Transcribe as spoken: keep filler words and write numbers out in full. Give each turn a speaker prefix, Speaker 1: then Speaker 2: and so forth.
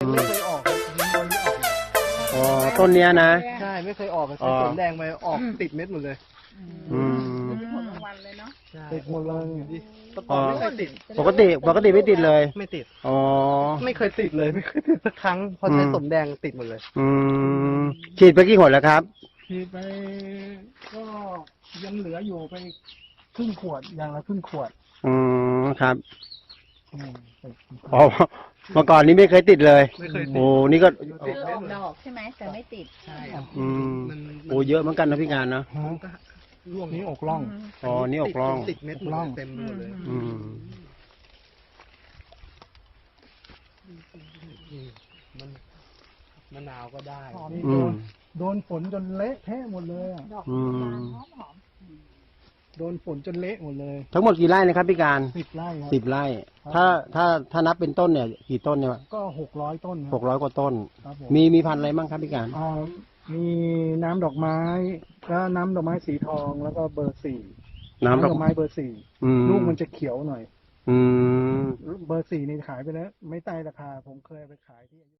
Speaker 1: ไม่เคยออกครับต้นนี้ออกเลย
Speaker 2: อ๋อต้นเนี้ยนะ
Speaker 1: ใช่ไม่เคยออกเลย
Speaker 2: อ๋อ
Speaker 1: สวนแดงไปออกติดเม็ดหมดเลย
Speaker 2: อืม
Speaker 3: ผลรางวัลเลยเนาะ
Speaker 1: ติดหมดเลยตะก
Speaker 2: อ๋
Speaker 1: อ
Speaker 2: อ
Speaker 1: นไม่เคยติด
Speaker 2: ปกติปกติไม่ติดเลย
Speaker 1: ไม่ติด
Speaker 2: อ๋อ
Speaker 1: ไม่เคยติดเลยไม่เคยติดสักครั้งพอใช้
Speaker 2: อืม
Speaker 1: สมแดงติดหมดเลย
Speaker 2: อืมฉีดไปกี่หนแล้วครับ
Speaker 4: ฉีดไปก็ยังเหลืออยู่ไปครึ่งขวดอย่างละครึ่งขวด
Speaker 2: อืมครับ
Speaker 4: อืม
Speaker 2: อ๋อเมื่อก่อนนี้ไม่เคยติดเลย
Speaker 1: ไม่เคยติด
Speaker 2: โอ้นี่ก็
Speaker 3: คือออกดอกใช่ไหมแต่ไม่ติด
Speaker 1: ใช่ครับ
Speaker 2: อืม
Speaker 1: มัน
Speaker 2: โอ้เยอะเหมือนกันนะพี่การนะ
Speaker 4: ฮะ
Speaker 1: ก็ร่วง
Speaker 4: นี่อกล่อง
Speaker 2: อ๋อนี่อกล่อง
Speaker 1: ติดเม็ดหมดเลยเต็มไปหมดเลย
Speaker 2: อืม
Speaker 1: มันมะนาวก็ได้
Speaker 4: นี่
Speaker 2: อื
Speaker 4: โด
Speaker 2: ม
Speaker 4: นโดนฝนจนเละเทะหมดเลยอะ
Speaker 3: ดอก
Speaker 2: อืม
Speaker 3: บานหอมหอม
Speaker 4: โดนฝนจนเละหมดเลย
Speaker 2: ทั้งหมดกี่ไร่นะครับพี่การ
Speaker 4: สิบไร่ครับ
Speaker 2: สิบไร่ ถ้าถ้าถ้านับเป็นต้นเนี่ย กี่ต้นเนี่ย
Speaker 4: ก็หกร้อยต้นค
Speaker 2: ห
Speaker 4: รับ
Speaker 2: กร้อยกว่าต้น
Speaker 4: ครับผม
Speaker 2: มีมีพันธุ์อะไรบ้างครับพี่การ
Speaker 4: อ่ามีน้ำดอกไม้แล้วน้ำดอกไม้สีทองแล้วก็เบอร์สี่
Speaker 2: น้ำด
Speaker 4: ด
Speaker 2: อ
Speaker 4: อก กไม้เบอร์สี่
Speaker 2: อืม
Speaker 4: ลูกมันจะเขียวหน่อย
Speaker 2: อืม
Speaker 4: เบอร์สี่นี่ขายไปแล้ว ไม่ใต้ราคาผมเคยเอาไปขายที่